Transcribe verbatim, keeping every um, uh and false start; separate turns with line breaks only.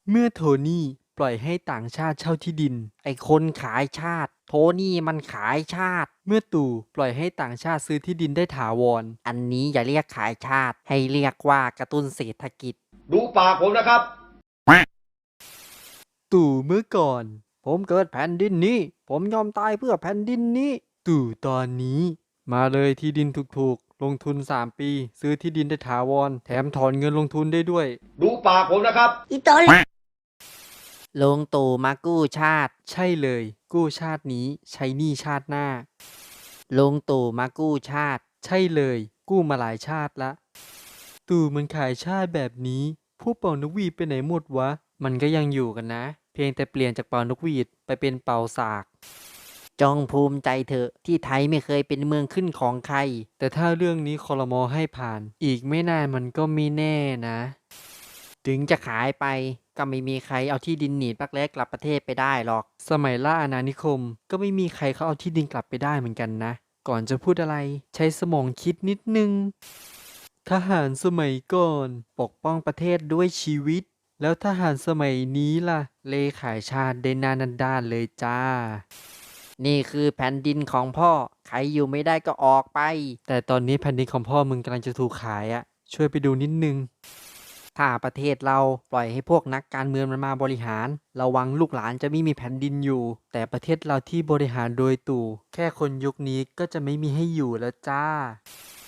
เมื่อโทนี่ปล่อยให้ต่างชาติเช่าที่ดินไอ้คนขายชาติโทนี่มันขายชาติเมื่อตู่ปล่อยให้ต่างชาติซื้อที่ดินได้ถาวรอันนี้อย่าเรียกขายชาติให้เรียกว่ากระตุ้นเศรษฐกิจ
ดูปากผมนะครับ
ตู่เมื่อก่อนผมเกิดแผ่นดินนี้ผมยอมตายเพื่อแผ่นดินนี้ตู่ตอนนี้มาเลยที่ดินถูกๆลงทุนสามปีซื้อที่ดินได้ถาวรแถมถอนเงินลงทุนได้ด้วย
ดูปากผมนะครับ
อีตอแหล
ลงตู่มากู้ชาติใช่เลยกู้ชาตินี้ใช้หนี้ชาติหน้าลงตู่มากู้ชาติใช่เลยกู้มาหลายชาติละตู่มันขายชาติแบบนี้ผู้เป่านกหวีดไปไหนหมดวะมันก็ยังอยู่กันนะเพียงแต่เปลี่ยนจากเป่านกหวีดไปเป็นเป่าสากจงภูมิใจเถอะที่ไทยไม่เคยเป็นเมืองขึ้นของใครแต่ถ้าเรื่องนี้ครม.ให้ผ่านอีกไม่นานมันก็ไม่แน่นะถึงจะขายไปก็ไม่มีใครเอาที่ดินหนีบรักแร้กลับประเทศไปได้หรอกสมัยล่าอาณานิคมก็ไม่มีใครเขาเอาที่ดินกลับไปได้เหมือนกันนะก่อนจะพูดอะไรใช้สมองคิดนิดนึงทหารสมัยก่อนปกป้องประเทศด้วยชีวิตแล้วทหารสมัยนี้ล่ะเลขายชาติได้หนานันด้านเลยจ้านี่คือแผ่นดินของพ่อใครอยู่ไม่ได้ก็ออกไปแต่ตอนนี้แผ่นดินของพ่อมึงกำลังจะถูกขายอะช่วยไปดูนิดนึงถ้าประเทศเราปล่อยให้พวกนักการเมืองมันมาบริหารระวังลูกหลานจะไม่มีแผ่นดินอยู่แต่ประเทศเราที่บริหารโดยตู่แค่คนยุคนี้ก็จะไม่มีให้อยู่แล้วจ้า